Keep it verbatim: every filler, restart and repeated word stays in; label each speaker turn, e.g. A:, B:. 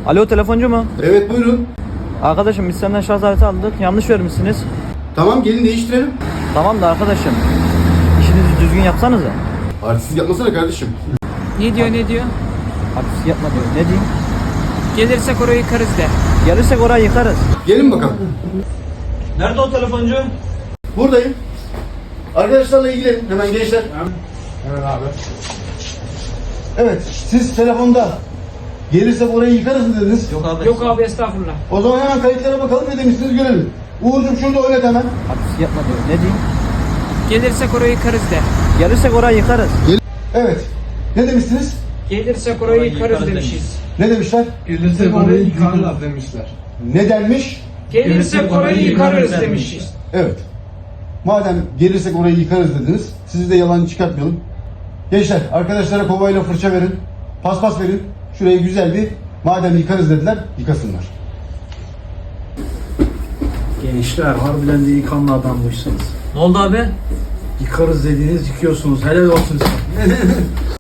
A: Alo, telefoncu mu?
B: Evet buyurun.
A: Arkadaşım biz senden şarj aleti aldık. Yanlış vermişsiniz.
B: Tamam gelin değiştirelim.
A: Tamam da arkadaşım, işinizi düzgün yapsanıza.
B: Artistlik yapmasana kardeşim.
C: Ne diyor ne diyor?
A: Artist yapma diyor. Ne diyeyim?
C: Gelirsek orayı yıkarız de.
A: Gelirsek orayı yıkarız.
B: Gelin bakalım.
A: Nerede o telefoncu?
B: Buradayım. Arkadaşlarla ilgilenin hemen gençler.
D: Evet abi.
B: Evet siz telefonda gelirsek orayı yıkarız mı dediniz?
A: Yok abi.
C: Yok abi estağfurullah.
B: O zaman hemen kayıtlara bakalım ne demişsiniz görelim. Uğur'cum şurada oynat hemen.
A: Artist yapma diyor. Ne diyeyim?
C: Gelirsek orayı yıkarız de.
A: Gelirsek orayı yıkarız.
B: Evet. Ne demişsiniz?
C: Gelirsek orayı yıkarız demişiz.
B: Ne demişler?
D: Gelirse orayı yıkarlar demişler.
B: Ne denmiş?
C: Gelirsek orayı yıkarız demişiz.
B: Evet. Madem gelirsek orayı yıkarız dediniz, sizi de yalan çıkartmayalım. Gençler, arkadaşlara kovayla fırça verin, paspas verin. Şurayı güzel bir, madem yıkarız dediler, yıkasınlar.
D: Gençler harbiden de iyi kanlı adammışsınız.
A: Ne oldu abi?
D: Yıkarız dediğiniz yıkıyorsunuz. Helal olsun size.